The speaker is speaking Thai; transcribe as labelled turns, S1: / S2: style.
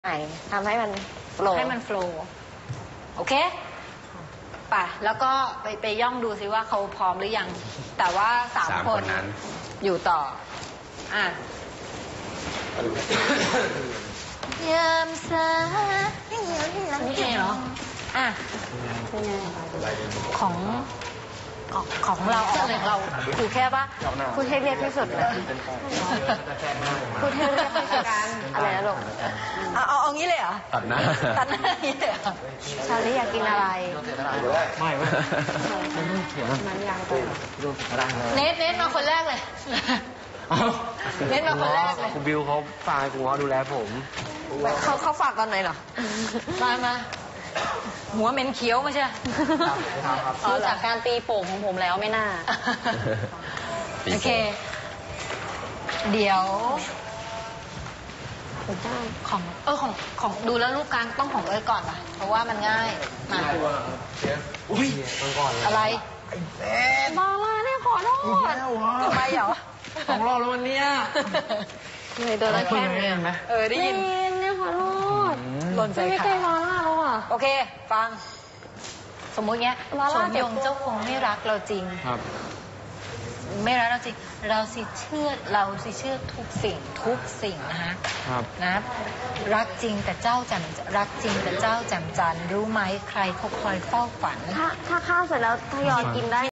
S1: ทำให้มันโฟล์
S2: โอเคป่ะแล้วก็ไปย่องดูซิว่าเขาพร้อมหรือยังแต่ว่า3 คนนั้นอยู่ต่อยามสายนี่เองเหรอของเราคือแค่ว่า
S1: พูดให้เรียกที่สุดเลยพูดให้เรียกที่สุดอะไรนะลูก
S2: เอางี้เลยเหรอ
S3: ตัดหน้า
S2: อย่างนี้เลยเหรอ
S1: ชาลีอยากกินอะไร
S3: ไม่
S1: มันยังไป
S2: เนทมาคนแรกเลยเนทมาคนแรกเลย
S3: คุณบิวเขาฝากคุณพ่อดูแลผม
S1: เขาฝากตอนไหนเหรอ
S2: มาหัวเหม็นเขียวมาใช่
S1: ดูจากการตีโป่งของผมแล้วไม่น่า
S2: โอเคเดี๋ยวของดูแล้วรูปกลางต้องของเอิร์ธก่อนป่ะเพราะว่ามันง่ายมา
S3: อุ้ย
S2: อะไร
S1: บาลาเนี่ยขอโทษ
S2: ทำไมเหรอ
S3: 2 รอบแล้ววันนี้
S1: เลยโดนแล้วแค่นี้
S2: ได้ยิน
S1: เนี่ยขอโทษ
S2: หล่นใจ
S1: ไม่ใช่บาลาแล้วอ่ะ
S2: โอเคฟังสมมุติเงี้ยชมยงเจ้าคงไม่รักเราจริง
S3: ครับ
S2: ไม่รักเราจริงเราสิเชื่อทุกสิ่งนะคะนะรักจริงแต่เจ้าแจ่มจันทร์รู้ไหมใครเขาคอยเฝ้าฝัน
S1: ถ้าข้าวเสร็จแล้วทยอยกินได้